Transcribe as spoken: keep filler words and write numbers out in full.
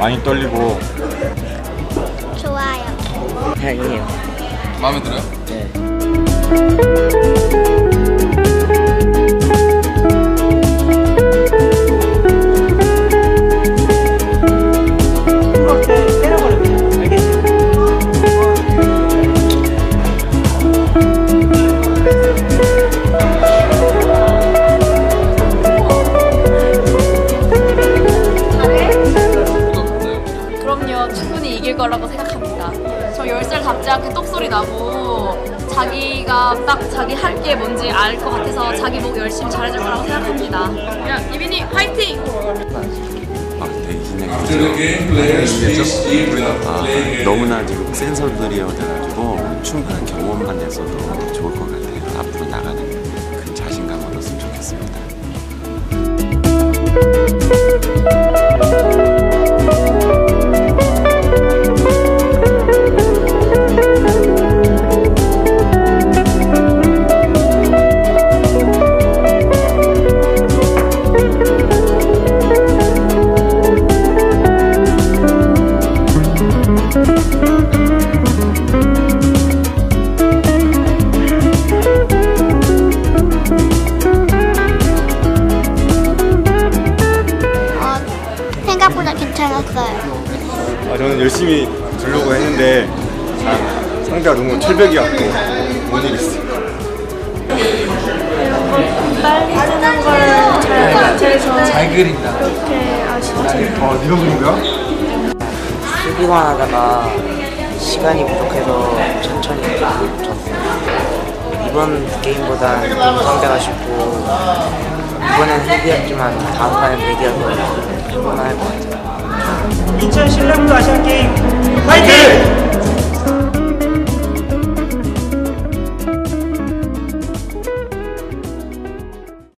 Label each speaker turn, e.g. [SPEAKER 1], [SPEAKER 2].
[SPEAKER 1] 많이 떨리고.
[SPEAKER 2] 좋아요.
[SPEAKER 3] 다행이에요.
[SPEAKER 4] 마음에 들어요?
[SPEAKER 3] 네.
[SPEAKER 5] 충분히 이길 거라고 생각합니다. 저 열 살답지 않게 똑소리 나고 자기가 딱 자기 할 게 뭔지 알 것 같아서 자기 목 열심히 잘해줄 거라고 생각합니다. 야, 이빈이 화이팅!
[SPEAKER 6] 아, 되게 긴장했죠. 아, 너무나 지금 센서들이어 돼가지고 충분한 경험만 돼서도 좋을 것 같아요. 앞으로 나가는 그 자신감을 얻었으면 좋겠습니다.
[SPEAKER 2] 생각보다 괜찮았어요.
[SPEAKER 1] 아, 저는 열심히 두려고 했는데 아, 상대가 너무 철벽이었고 못 이겼어요.
[SPEAKER 7] 빨리 쓰는 걸 잘 못해서
[SPEAKER 4] 잘 그린다.
[SPEAKER 7] 그렇게 아쉽죠.
[SPEAKER 1] 어, 네가 그린 거야?
[SPEAKER 3] 수비만 하다가 시간이 부족해서 천천히 쳤어요. 이번 게임보단 상대가 쉽고 이번엔 헤비였지만 다음 판엔 백이어서 할만할 것 같아요.
[SPEAKER 8] 인천 실내구도 아시안게임